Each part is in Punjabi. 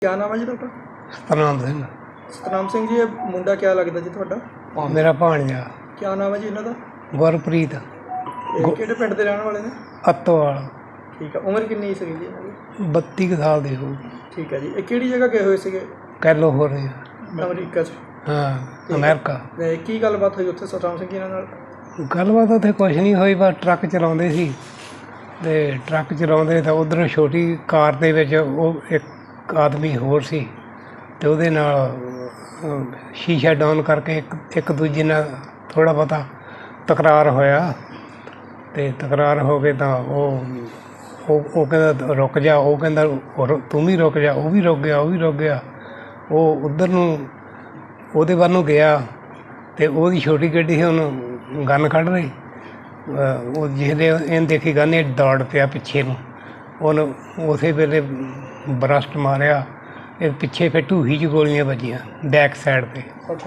क्या नाम है जी ਤੁਹਾਡਾ? ਸਤਨਾਮ ਸਿੰਘ ਸਤਨਾਮ ਸਿੰਘ ਜੀ, ਇਹ ਮੁੰਡਾ ਕਿਆ ਲੱਗਦਾ ਜੀ ਤੁਹਾਡਾ? ਮੇਰਾ ਭਾਣਜਾ ਕਿਆ ਨਾਮ ਹੈ ਜੀ ਇਹਨਾਂ ਦਾ? ਗੁਰਪ੍ਰੀਤ ਇਹ ਕਿਹੜੇ ਪਿੰਡ ਦੇ ਰਹਿਣ ਵਾਲੇ ਨੇ? ਅੱਤੋਵਾਲ। ਠੀਕ ਹੈ, ਉਮਰ ਕਿੰਨੀ ਸੀਗੀ ਜੀ ਇਹਨਾਂ ਦੀ? 32 ਕੁ ਸਾਲ ਦੀ ਹੋ। ਠੀਕ ਹੈ ਜੀ, ਇਹ ਕਿਹੜੀ ਜਗ੍ਹਾ ਗਏ ਹੋਏ ਸੀਗੇ? ਕੈਲੀਫੋਰਨੀਆ। ਅਮਰੀਕਾ 'ਚ? ਹਾਂ, ਅਮਰੀਕਾ। ਤੇ ਕੀ ਗੱਲਬਾਤ ਹੋਈ ਉੱਥੇ ਸਤਨਾਮ ਸਿੰਘ ਜੀ ਇਹਨਾਂ ਨਾਲ? ਗੱਲਬਾਤ ਉੱਥੇ ਕੁਛ ਨਹੀਂ ਹੋਈ, ਬਸ ਟਰੱਕ ਚਲਾਉਂਦੇ ਸੀ ਅਤੇ ਟਰੱਕ ਚਲਾਉਂਦੇ ਤਾਂ ਉੱਧਰੋਂ ਛੋਟੀ ਕਾਰ ਦੇ ਵਿੱਚ ਉਹ ਇੱਕ ਆਦਮੀ ਹੋਰ ਸੀ ਅਤੇ ਉਹਦੇ ਨਾਲ ਸ਼ੀਸ਼ਾ ਡਾਊਨ ਕਰਕੇ ਇੱਕ ਦੂਜੇ ਨਾਲ ਥੋੜ੍ਹਾ ਬਹੁਤਾ ਤਕਰਾਰ ਹੋਇਆ ਅਤੇ ਤਕਰਾਰ ਹੋ ਕੇ ਤਾਂ ਉਹ ਕਹਿੰਦਾ ਰੁਕ ਜਾ, ਉਹ ਕਹਿੰਦਾ ਤੂੰ ਵੀ ਰੁਕ ਜਾ, ਉਹ ਵੀ ਰੁਕ ਗਿਆ। ਉਹ ਉੱਧਰ ਨੂੰ ਉਹਦੇ ਵੱਲ ਨੂੰ ਗਿਆ ਅਤੇ ਉਹਦੀ ਛੋਟੀ ਗੱਡੀ ਸੀ, ਉਹਨੂੰ ਗਨ ਕੱਢ ਰਹੀ। ਉਹ ਜਿਹਦੇ ਇਹਨੇ ਦੇਖੀ ਗਨ, ਇਹ ਦੌੜ ਪਿਆ ਪਿੱਛੇ ਨੂੰ, ਉਹਨੂੰ ਉਸੇ ਵੇਲੇ ਬਰਸਟ ਮਾਰਿਆ। ਇਹ ਪਿੱਛੇ ਫਿਰ ਢੂਹੀ 'ਚ ਗੋਲੀਆਂ ਵੱਜੀਆਂ ਬੈਕ ਸਾਈਡ 'ਤੇ।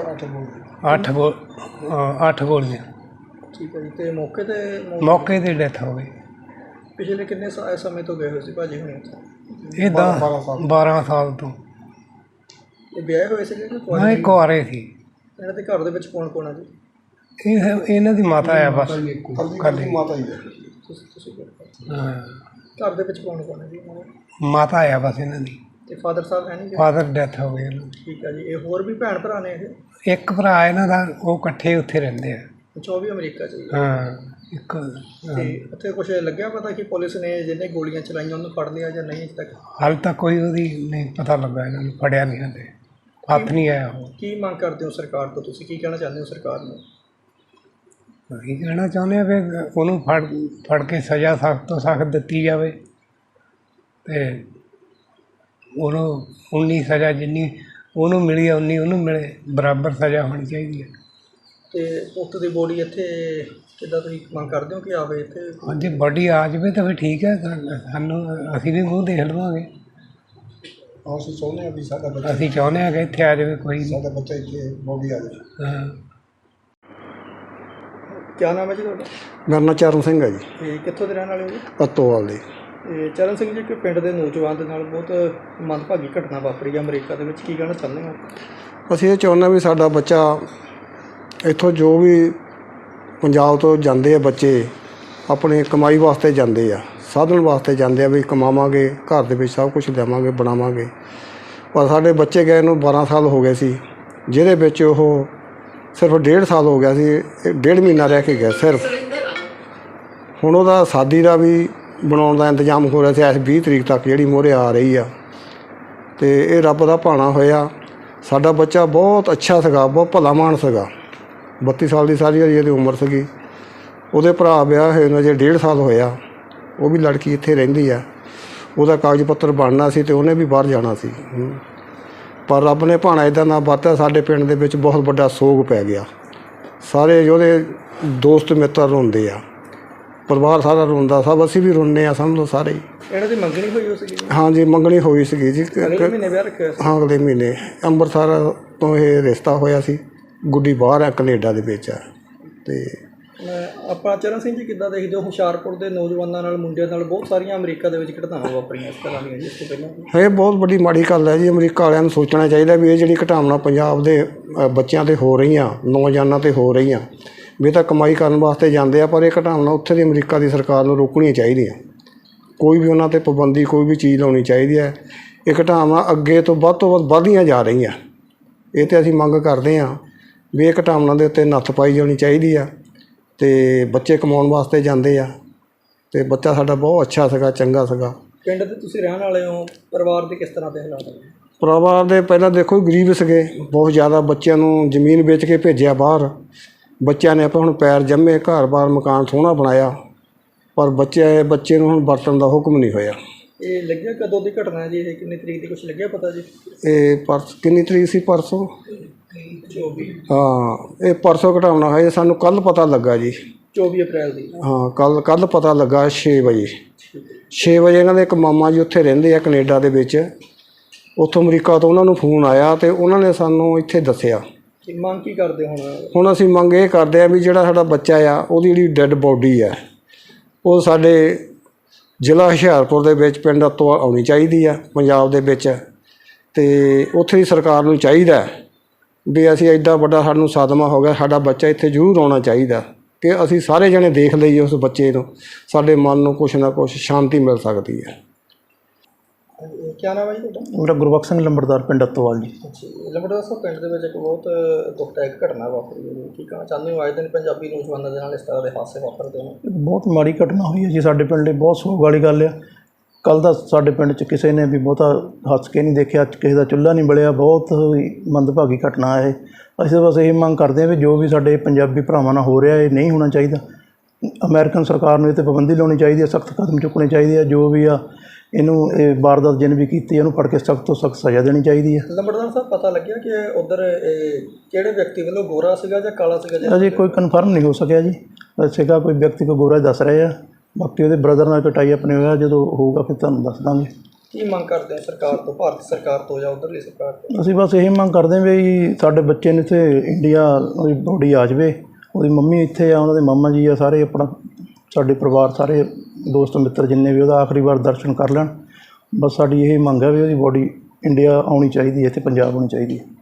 ਅੱਠ ਗੋਲੀਆਂ। ਠੀਕ ਹੈ ਜੀ, ਅਤੇ ਮੌਕੇ 'ਤੇ ਡੈਥ ਹੋ ਗਈ। ਪਿਛਲੇ ਕਿੰਨੇ ਸਮੇਂ ਤੋਂ ਗਏ ਹੋਏ ਸੀ ਭਾਜੀ ਹੁਣੇ ਉੱਥੇ? ਇਹ 12 ਸਾਲ ਤੋਂ। ਇਹ ਵਿਆਹੇ ਹੋਏ ਸੀਗੇ ਕਿ ਹਾਂ, ਇਹ ਕੁਆਰੇ ਸੀ। ਇਹਨਾਂ ਦੇ ਘਰ ਦੇ ਵਿੱਚ ਕੌਣ ਕੌਣ ਹੈ ਜੀ? ਇਹਨਾਂ ਦੀ ਮਾਤਾ ਆ ਬਸ। ਮਾਤਾ ਜੀ? ਤੁਸੀਂ ਹਾਂ, ਘਰ ਦੇ ਵਿੱਚ ਕੌਣ ਕੌਣ ਹੈ ਜੀ ਇਹਨਾਂ ਦੇ? ਮਾਤਾ ਆ ਬਸ ਇਹਨਾਂ ਦੀ। ਅਤੇ ਫਾਦਰ ਸਾਹਿਬ ਹੈ ਨਹੀਂ? ਫਾਦਰ ਡੈਥ ਹੋ ਗਈ ਇਹਨਾਂ ਦੀ। ਠੀਕ ਹੈ ਜੀ, ਇਹ ਹੋਰ ਵੀ ਭੈਣ ਭਰਾ ਨੇ ਇਹ? ਇੱਕ ਭਰਾ ਇਹਨਾਂ ਦਾ, ਉਹ ਇਕੱਠੇ ਉੱਥੇ ਰਹਿੰਦੇ ਆ। ਅੱਛਾ, ਉਹ ਵੀ ਅਮਰੀਕਾ 'ਚ ਜੀ? ਹਾਂ, ਇੱਕ। ਅਤੇ ਉੱਥੇ ਕੁਛ ਲੱਗਿਆ ਪਤਾ ਕਿ ਪੁਲਿਸ ਨੇ ਜਿਹਨੇ ਗੋਲੀਆਂ ਚਲਾਈਆਂ ਉਹਨੂੰ ਫੜ ਲਿਆ ਜਾਂ ਨਹੀਂ ਅਜੇ ਤੱਕ? ਹਾਲੇ ਤੱਕ ਕੋਈ ਉਹਦੀ ਨਹੀਂ ਪਤਾ ਲੱਗਾ, ਇਹਨਾਂ ਨੂੰ ਫੜਿਆ ਨਹੀਂ ਹਾਲੇ, ਹੱਥ ਨਹੀਂ ਆਇਆ ਉਹ। ਕੀ ਮੰਗ ਕਰਦੇ ਹੋ ਸਰਕਾਰ ਤੋਂ? ਤੁਸੀਂ ਕੀ ਕਹਿਣਾ ਚਾਹੁੰਦੇ ਹੋ ਸਰਕਾਰ ਨੂੰ? ਅਸੀਂ ਕਹਿਣਾ ਚਾਹੁੰਦੇ ਹਾਂ ਵੀ ਉਹਨੂੰ ਫੜ ਕੇ ਸਜ਼ਾ ਸਖਤ ਤੋਂ ਸਖਤ ਦਿੱਤੀ ਜਾਵੇ ਅਤੇ ਉਹਨੂੰ ਉਨੀ ਸਜ਼ਾ ਜਿੰਨੀ ਉਹਨੂੰ ਮਿਲੀ ਆ ਉਨੀ ਉਹਨੂੰ ਮਿਲੇ, ਬਰਾਬਰ ਸਜ਼ਾ ਹੋਣੀ ਚਾਹੀਦੀ ਹੈ। ਅਤੇ ਪੁੱਤ ਦੀ ਬੋਡੀ ਇੱਥੇ ਕਿੱਦਾਂ ਤੁਸੀਂ ਮੰਗ ਕਰਦੇ ਹੋ ਕਿ ਆਵੇ ਇੱਥੇ? ਜੇ ਬੋਡੀ ਆ ਜਾਵੇ ਤਾਂ ਫਿਰ ਠੀਕ ਹੈ, ਸਾਨੂੰ ਅਸੀਂ ਵੀ ਮੂੰਹ ਦੇਖ ਲਵਾਂਗੇ। ਅਸੀਂ ਚਾਹੁੰਦੇ ਹਾਂ ਵੀ ਸਾਡਾ ਬੱਚਾ, ਅਸੀਂ ਚਾਹੁੰਦੇ ਹਾਂ ਕਿ ਇੱਥੇ ਆ ਜਾਵੇ, ਕੋਈ ਨਹੀਂ। ਸਾਡਾ ਬੱਚਾ ਇੱਥੇ ਬੋਡੀ ਆ ਜਾਵੇ। ਹਾਂ। ਕਿਆ ਨਾਮ ਹੈ ਜੀ ਤੁਹਾਡਾ? ਮੇਰਾ ਨਾਂ ਚਰਨ ਸਿੰਘ ਹੈ ਜੀ। ਅਤੇ ਕਿੱਥੋਂ ਦੇ ਰਹਿਣ ਵਾਲੇ ਹੋ ਜੀ? ਅੱਤੋਵਾਲ ਦੇ। ਅਤੇ ਚਰਨ ਸਿੰਘ ਜੀ, ਇੱਕ ਪਿੰਡ ਦੇ ਨੌਜਵਾਨ ਦੇ ਨਾਲ ਬਹੁਤ ਮੰਦਭਾਗੀ ਘਟਨਾ ਵਾਪਰੀ ਹੈ ਅਮਰੀਕਾ ਦੇ ਵਿੱਚ, ਕੀ ਕਹਿਣਾ ਚਾਹੁੰਦੇ ਹੋ? ਅਸੀਂ ਇਹ ਚਾਹੁੰਦੇ ਵੀ ਸਾਡਾ ਬੱਚਾ ਇੱਥੋਂ, ਜੋ ਵੀ ਪੰਜਾਬ ਤੋਂ ਜਾਂਦੇ ਆ ਬੱਚੇ, ਆਪਣੇ ਕਮਾਈ ਵਾਸਤੇ ਜਾਂਦੇ ਆ, ਸਾਧਨ ਵਾਸਤੇ ਜਾਂਦੇ ਆ ਵੀ ਕਮਾਵਾਂਗੇ, ਘਰ ਦੇ ਵਿੱਚ ਸਭ ਕੁਝ ਲਿਆਵਾਂਗੇ, ਬਣਾਵਾਂਗੇ। ਪਰ ਸਾਡੇ ਬੱਚੇ ਗਏ ਨੂੰ 12 ਸਾਲ ਹੋ ਗਏ ਸੀ, ਜਿਹਦੇ ਵਿੱਚ ਉਹ ਸਿਰਫ 1.5 ਸਾਲ ਹੋ ਗਿਆ ਸੀ, 1.5 ਮਹੀਨਾ ਰਹਿ ਕੇ ਗਿਆ ਸਿਰਫ। ਹੁਣ ਉਹਦਾ ਸ਼ਾਦੀ ਦਾ ਵੀ ਬਣਾਉਣ ਦਾ ਇੰਤਜ਼ਾਮ ਹੋ ਰਿਹਾ ਸੀ ਇਸ 20 ਤਰੀਕ ਤੱਕ, ਜਿਹੜੀ ਮੂਹਰੇ ਆ ਰਹੀ ਆ। ਅਤੇ ਇਹ ਰੱਬ ਦਾ ਭਾਣਾ ਹੋਇਆ। ਸਾਡਾ ਬੱਚਾ ਬਹੁਤ ਅੱਛਾ ਸੀਗਾ, ਬਹੁਤ ਭਲਾ ਮਾਨਸ ਸੀਗਾ। 32 ਸਾਲ ਦੀ ਸਾਰੀ ਇਹਦੀ ਉਮਰ ਸੀਗੀ। ਉਹਦੇ ਭਰਾ ਵਿਆਹ ਹੋਏ ਨੂੰ ਅਜੇ 1.5 ਸਾਲ ਹੋਇਆ। ਉਹ ਵੀ ਲੜਕੀ ਇੱਥੇ ਰਹਿੰਦੀ ਆ, ਉਹਦਾ ਕਾਗਜ਼ ਪੱਤਰ ਬਣਨਾ ਸੀ ਅਤੇ ਉਹਨੇ ਵੀ ਬਾਹਰ ਜਾਣਾ ਸੀ। ਪਰ ਰੱਬ ਨੇ ਭਾਣਾ ਇੱਦਾਂ ਦਾ ਵਰਤਿਆ, ਸਾਡੇ ਪਿੰਡ ਦੇ ਵਿੱਚ ਬਹੁਤ ਵੱਡਾ ਸੋਗ ਪੈ ਗਿਆ। ਸਾਰੇ ਉਹਦੇ ਦੋਸਤ ਮਿੱਤਰ ਰੋਂਦੇ ਆ, ਪਰਿਵਾਰ ਸਾਰਾ ਰੋਂਦਾ, ਸਭ ਅਸੀਂ ਵੀ ਰੋਂਦੇ ਹਾਂ, ਸਮਝ ਲਓ ਸਾਰੇ ਹੀ। ਇਹਨਾਂ ਦੀ ਮੰਗਣੀ ਹੋਈ ਹੋ ਸੀਗੀ? ਹਾਂਜੀ, ਮੰਗਣੀ ਹੋਈ ਸੀਗੀ ਜੀ। ਅਗਲੇ ਮਹੀਨੇ ਵਿਆਹ ਰੱਖਿਆ ਸੀ? ਹਾਂ, ਅਗਲੇ ਮਹੀਨੇ। ਅੰਮ੍ਰਿਤਸਰ ਤੋਂ ਇਹ ਰਿਸ਼ਤਾ ਹੋਇਆ ਸੀ, ਗੁੱਡੀ ਬਾਹਰ ਆ, ਕੈਨੇਡਾ ਦੇ ਵਿੱਚ ਆ। ਅਤੇ ਆਪਾਂ ਚਰਨ ਸਿੰਘ ਜੀ, ਕਿੱਦਾਂ ਦੇਖਦੇ ਹੋ ਹੁਸ਼ਿਆਰਪੁਰ ਦੇ ਨੌਜਵਾਨਾਂ ਨਾਲ, ਮੁੰਡਿਆਂ ਨਾਲ ਬਹੁਤ ਸਾਰੀਆਂ ਅਮਰੀਕਾ ਦੇ ਵਿੱਚ ਘਟਨਾਵਾਂ ਵਾਪਰੀਆਂ ਇਸ ਤਰ੍ਹਾਂ ਦੀਆਂ ਜੀ ਇਸ ਤੋਂ ਪਹਿਲਾਂ? ਇਹ ਬਹੁਤ ਵੱਡੀ ਮਾੜੀ ਗੱਲ ਹੈ ਜੀ। ਅਮਰੀਕਾ ਵਾਲਿਆਂ ਨੂੰ ਸੋਚਣਾ ਚਾਹੀਦਾ ਵੀ ਇਹ ਜਿਹੜੀ ਘਟਨਾਵਾਂ ਪੰਜਾਬ ਦੇ ਬੱਚਿਆਂ 'ਤੇ ਹੋ ਰਹੀਆਂ, ਨੌਜਵਾਨਾਂ 'ਤੇ ਹੋ ਰਹੀਆਂ, ਵੀ ਇਹ ਤਾਂ ਕਮਾਈ ਕਰਨ ਵਾਸਤੇ ਜਾਂਦੇ ਆ, ਪਰ ਇਹ ਘਟਨਾਵਾਂ ਉੱਥੇ ਦੀ ਅਮਰੀਕਾ ਦੀ ਸਰਕਾਰ ਨੂੰ ਰੋਕਣੀਆਂ ਚਾਹੀਦੀਆਂ। ਕੋਈ ਵੀ ਉਹਨਾਂ 'ਤੇ ਪਾਬੰਦੀ, ਕੋਈ ਵੀ ਚੀਜ਼ ਲਾਉਣੀ ਚਾਹੀਦੀ ਹੈ। ਇਹ ਘਟਨਾਵਾਂ ਅੱਗੇ ਤੋਂ ਵੱਧ ਵੱਧਦੀਆਂ ਜਾ ਰਹੀਆਂ। ਇਹ 'ਤੇ ਅਸੀਂ ਮੰਗ ਕਰਦੇ ਹਾਂ ਵੀ ਇਹ ਘਟਨਾਵਾਂ ਦੇ ਉੱਤੇ ਨੱਥ ਪਾਈ ਜਾਣੀ ਚਾਹੀਦੀ ਆ। ਅਤੇ ਬੱਚੇ ਕਮਾਉਣ ਵਾਸਤੇ ਜਾਂਦੇ ਆ, ਅਤੇ ਬੱਚਾ ਸਾਡਾ ਬਹੁਤ ਅੱਛਾ ਸੀਗਾ, ਚੰਗਾ ਸੀਗਾ। ਪਿੰਡ ਦੇ ਤੁਸੀਂ ਰਹਿਣ ਵਾਲੇ ਹੋ, ਪਰਿਵਾਰ ਦੇ ਕਿਸ ਤਰ੍ਹਾਂ ਦੇ ਹਾਲਾਤ ਨੇ? ਪਰਿਵਾਰ ਦੇ ਪਹਿਲਾਂ ਦੇਖੋ ਗਰੀਬ ਸੀਗੇ ਬਹੁਤ ਜ਼ਿਆਦਾ। ਬੱਚਿਆਂ ਨੂੰ ਜ਼ਮੀਨ ਵੇਚ ਕੇ ਭੇਜਿਆ ਬਾਹਰ। ਬੱਚਿਆਂ ਨੇ ਆਪਾਂ ਹੁਣ ਪੈਰ ਜੰਮੇ, ਘਰ-ਬਾਰ ਮਕਾਨ ਸੋਹਣਾ ਬਣਾਇਆ, ਪਰ ਬੱਚੇ ਨੂੰ ਹੁਣ ਵਰਤਣ ਦਾ ਹੁਕਮ ਨਹੀਂ ਹੋਇਆ। ਇਹ ਲੱਗਿਆ ਕਦੋਂ ਦੀ ਘਟਨਾ ਹੈ ਜੀ? ਇਹ ਕਿੰਨੀ ਤਰੀਕ ਦੀ ਕੁਛ ਲੱਗਿਆ ਪਤਾ ਜੀ? ਇਹ ਕਿੰਨੀ ਤਰੀਕ ਸੀ? ਪਰਸੋਂ। 24। ਹਾਂ, ਇਹ ਪਰਸੋਂ ਘਟਾਉਣਾ ਹੋਇਆ, ਸਾਨੂੰ ਕੱਲ੍ਹ ਪਤਾ ਲੱਗਾ ਜੀ। 24 ਅਪ੍ਰੈਲ ਦੀ? ਹਾਂ, ਕੱਲ੍ਹ ਪਤਾ ਲੱਗਾ 6 ਵਜੇ। 6 ਵਜੇ ਇਹਨਾਂ ਦੇ ਇੱਕ ਮਾਮਾ ਜੀ ਉੱਥੇ ਰਹਿੰਦੇ ਆ ਕੈਨੇਡਾ ਦੇ ਵਿੱਚ, ਉੱਥੋਂ ਅਮਰੀਕਾ ਤੋਂ ਉਹਨਾਂ ਨੂੰ ਫੋਨ ਆਇਆ ਅਤੇ ਉਹਨਾਂ ਨੇ ਸਾਨੂੰ ਇੱਥੇ ਦੱਸਿਆ। ਮੰਗ ਕੀ ਕਰਦੇ ਹੁਣ ਅਸੀਂ ਮੰਗ ਇਹ ਕਰਦੇ ਹਾਂ ਵੀ ਜਿਹੜਾ ਸਾਡਾ ਬੱਚਾ ਆ, ਉਹਦੀ ਜਿਹੜੀ ਡੈੱਡ ਬੋਡੀ ਆ, ਉਹ ਸਾਡੇ ਜ਼ਿਲ੍ਹਾ ਹੁਸ਼ਿਆਰਪੁਰ ਦੇ ਵਿੱਚ ਪਿੰਡ ਤੋਂ ਆਉਣੀ ਚਾਹੀਦੀ ਆ ਪੰਜਾਬ ਦੇ ਵਿੱਚ। ਤੇ ਉੱਥੇ ਦੀ ਸਰਕਾਰ ਨੂੰ ਚਾਹੀਦਾ ਵੀ ਅਸੀਂ ਐਡਾ ਵੱਡਾ ਸਾਨੂੰ ਸਦਮਾ ਹੋ ਗਿਆ, ਸਾਡਾ ਬੱਚਾ ਇੱਥੇ ਜ਼ਰੂਰ ਆਉਣਾ ਚਾਹੀਦਾ ਕਿ ਅਸੀਂ ਸਾਰੇ ਜਣੇ ਦੇਖ ਲਈਏ ਉਸ ਬੱਚੇ ਨੂੰ, ਸਾਡੇ ਮਨ ਨੂੰ ਕੁਛ ਨਾ ਕੁਛ ਸ਼ਾਂਤੀ ਮਿਲ ਸਕਦੀ ਹੈ। ਕੀ ਨਾਮ ਹੈ ਜੀ ਤੁਹਾਡਾ? ਮੇਰਾ ਗੁਰਬਖਸ਼ ਸਿੰਘ ਲੰਬੜਦਾਰ ਪਿੰਡ ਅੱਤੋਵਾਲ ਜੀ। ਅੱਛਾ ਜੀ, ਲੰਬੜਦਾਰ ਸਾਹਿਬ ਪਿੰਡ ਦੇ ਵਿੱਚ ਇੱਕ ਬਹੁਤ ਦੁਖਦਾਇਕ ਘਟਨਾ ਵਾਪਰੀ ਹੈ। ਕੀ ਕਹਿਣਾ ਚਾਹੁੰਦੇ ਹੋ? ਅੱਜ ਦਿਨ ਪੰਜਾਬੀ ਨੌਜਵਾਨਾਂ ਦੇ ਨਾਲ ਇਸ ਤਰ੍ਹਾਂ ਦੇ ਹਾਦਸੇ ਵਾਪਰਦੇ ਨੇ। ਬਹੁਤ ਮਾੜੀ ਘਟਨਾ ਹੋਈ ਹੈ ਜੀ ਸਾਡੇ ਪਿੰਡ ਲਈ, ਬਹੁਤ ਸੋਗ ਵਾਲੀ ਗੱਲ ਆ। ਕੱਲ੍ਹ ਦਾ ਸਾਡੇ ਪਿੰਡ 'ਚ ਕਿਸੇ ਨੇ ਵੀ ਬਹੁਤਾ ਹੱਸ ਕੇ ਨਹੀਂ ਦੇਖਿਆ, ਕਿਸੇ ਦਾ ਚੁੱਲ੍ਹਾ ਨਹੀਂ ਬਲਿਆ। ਬਹੁਤ ਹੀ ਮੰਦਭਾਗੀ ਘਟਨਾ ਹੈ। ਅਸੀਂ ਬਸ ਇਹ ਮੰਗ ਕਰਦੇ ਹਾਂ ਵੀ ਜੋ ਵੀ ਸਾਡੇ ਪੰਜਾਬੀ ਭਰਾਵਾਂ ਨਾਲ ਹੋ ਰਿਹਾ ਇਹ ਨਹੀਂ ਹੋਣਾ ਚਾਹੀਦਾ। ਅਮਰੀਕਨ ਸਰਕਾਰ ਨੂੰ ਇਹ 'ਤੇ ਪਾਬੰਦੀ ਲਾਉਣੀ ਚਾਹੀਦੀ ਹੈ, ਸਖਤ ਕਦਮ ਚੁੱਕਣੇ ਚਾਹੀਦੇ ਆ। ਜੋ ਵੀ ਆ ਇਹਨੂੰ ਇਹ ਵਾਰਦਾਤ ਜਿਹਨੇ ਵੀ ਕੀਤੀ ਇਹਨੂੰ ਫੜ ਕੇ ਸਖਤ ਤੋਂ ਸਖਤ ਸਜ਼ਾ ਦੇਣੀ ਚਾਹੀਦੀ ਹੈ। ਲੰਬੜਦਾਰ ਸਾਹਿਬ ਪਤਾ ਲੱਗਿਆ ਕਿ ਉੱਧਰ ਕਿਹੜੇ ਵਿਅਕਤੀ ਵੱਲੋਂ ਗੋਰਾ ਸੀਗਾ ਜਾਂ ਕਾਲਾ ਸੀਗਾ? ਅਜੇ ਕੋਈ ਕਨਫਰਮ ਨਹੀਂ ਹੋ ਸਕਿਆ ਜੀ, ਸੀਗਾ ਕੋਈ ਵਿਅਕਤੀ ਕੋ ਗੋਰਾ ਦੱਸ ਰਹੇ ਆ। ਬਾਕੀ ਉਹਦੇ ਬ੍ਰਦਰ ਨਾਲ ਕਟਾਈ ਆਪਣੇ ਹੋਇਆ, ਜਦੋਂ ਹੋਊਗਾ ਫਿਰ ਤੁਹਾਨੂੰ ਦੱਸ ਦਾਂਗੇ। ਕੀ ਮੰਗ ਕਰਦੇ ਹੋ ਸਰਕਾਰ ਤੋਂ, ਭਾਰਤ ਸਰਕਾਰ ਤੋਂ ਜਾਂ ਉੱਧਰਲੀ ਸਰਕਾਰ ਤੋਂ? ਅਸੀਂ ਬਸ ਇਹ ਮੰਗ ਕਰਦੇ ਹਾਂ ਵੀ ਸਾਡੇ ਬੱਚੇ ਨੂੰ ਇੱਥੇ ਇੰਡੀਆ ਉਹਦੀ ਬੋਡੀ ਆ ਜਾਵੇ, ਉਹਦੀ ਮੰਮੀ ਇੱਥੇ ਆ, ਉਹਨਾਂ ਦੇ ਮਾਮਾ ਜੀ ਆ, ਸਾਰੇ ਆਪਣਾ ਸਾਡੇ ਪਰਿਵਾਰ ਸਾਰੇ ਦੋਸਤ ਮਿੱਤਰ ਜਿੰਨੇ ਵੀ ਉਹਦਾ ਆਖਰੀ ਵਾਰ ਦਰਸ਼ਨ ਕਰ ਲੈਣ। ਬਸ ਸਾਡੀ ਇਹ ਮੰਗ ਹੈ ਵੀ ਉਹਦੀ ਬੋਡੀ ਇੰਡੀਆ ਆਉਣੀ ਚਾਹੀਦੀ ਹੈ, ਇੱਥੇ ਪੰਜਾਬ ਆਉਣੀ ਚਾਹੀਦੀ ਹੈ।